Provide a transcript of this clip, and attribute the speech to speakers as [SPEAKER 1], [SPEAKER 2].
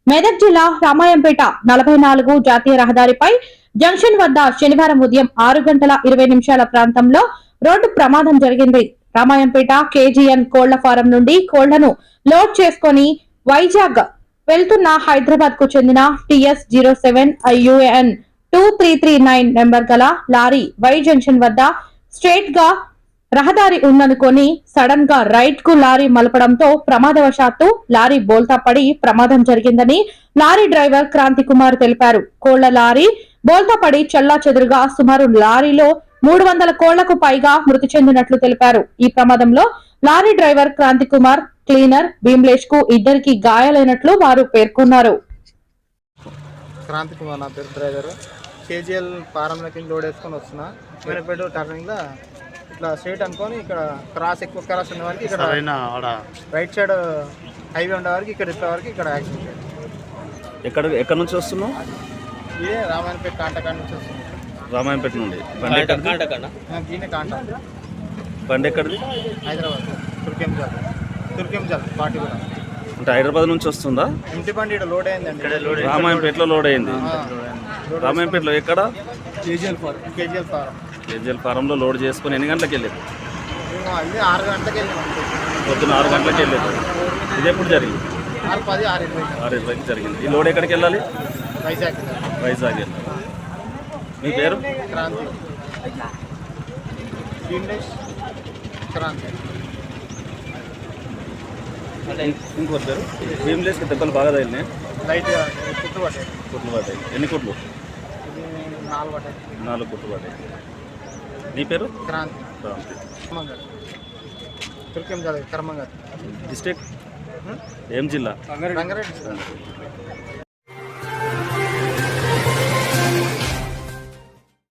[SPEAKER 1] మెదక్ జిల్లా రామాయంపేట 44 జాతీయ రహదారిపై జంక్షన్ వద్ద శనివారం ఉదయం 6 గంటల 20 నిమిషాల ప్రాంతంలో రోడ్డు ప్రమాదం జరిగింది. రామాయంపేట కేజీఎన్ కోళ్ల ఫారం నుండి కోళ్లను లోడ్ చేసుకుని వైజాగ్ వెళ్తున్న హైదరాబాద్ కు చెందిన TS07 IUN 2339 నెంబర్ గల లారీ వై జంక్షన్ వద్ద స్ట్రెయిట్ గా రహదారి ఉందనుకొని సడన్ గా రైట్ కు లారీ మలపడంతో ప్రమాదవశాత్తు లారీ బోల్తా పడి ప్రమాదం జరిగిందని లారీ డ్రైవర్ క్రాంతి కుమార్ తెలిపారు. కోళ్ల లారీ బోల్తా పడి చెల్లా చెదురుగా సుమారు లారీలో 300 కోళ్లకు పైగా మృతి చెందినట్లు తెలిపారు. ఈ ప్రమాదంలో lorry driver Kranthi Kumar, cleaner Bhimlesh కు ఇద్దరికి గాయాలైనట్లు వారు పేర్కొన్నారు.
[SPEAKER 2] క్రాంతి కుమార్ నా పేరు, డ్రైవర్. కేజీఎల్ ఫారంలోకి లోడ్ వేసుకొని వస్తున్నా. మేనపేట టర్నింగ్ లో ఇట్లా స్ట్రైట్ అనుకొని ఇక్కడ ఎక్కువ క్రాస్ ఉన్న వరకు ఇక్కడ రైట్ సైడ్ హైవే ఉండే వరకు ఇక్కడ ఇట్లా వరకు ఇక్కడ యాక్సిడెంట్.
[SPEAKER 3] ఎక్కడ నుంచి వస్తున్నావు?
[SPEAKER 2] ఇదే రామాయణపేట కాంటకాడ నుంచి వస్తుంది.
[SPEAKER 3] రామాయణపేట నుండి
[SPEAKER 2] కాంట
[SPEAKER 3] బండి ఎక్కడిది?
[SPEAKER 2] హైదరాబాద్ తుర్కెంజల్ పార్టీ కూడా
[SPEAKER 3] అంటే హైదరాబాద్ నుంచి వస్తుందా?
[SPEAKER 2] ఇంటి బండి ఇక్కడ లోడ్ అయిందండి.
[SPEAKER 3] రామాయంపేటలో లోడ్ అయింది. రామాయంపేటలో ఎక్కడ? కేజీఎల్ ఫారంలో లోడ్ చేసుకుని ఎన్ని గంటలకు వెళ్ళేది?
[SPEAKER 2] 6 గంటలకు వెళ్ళాము.
[SPEAKER 3] పొద్దున్న 6 గంటలకు వెళ్ళేది. ఇది ఎప్పుడు జరిగింది? 6:20 జరిగింది. ఈ లోడ్ ఎక్కడికి వెళ్ళాలి?
[SPEAKER 2] వైజాగ్
[SPEAKER 3] వెళ్ళాలి. మీ పేరు?
[SPEAKER 2] క్రాంతి. క్రాంతి.
[SPEAKER 3] ఇంకో పేరు? భీమ్లేష్కి దెబ్బలు బాగా తగిలినాయి.
[SPEAKER 2] లైట్ కుట్లు పట్టాయి.
[SPEAKER 3] ఎన్ని కుట్లు?
[SPEAKER 2] 4 పట్టాయి.
[SPEAKER 3] 4 కుట్లు పట్టాయి. నీ పేరు?
[SPEAKER 2] క్రాంతి. తుర్కెంజల్ కర్మంగర్
[SPEAKER 3] డిస్ట్రిక్ట్ ఏం జిల్లా?
[SPEAKER 2] రంగారెడ్డి.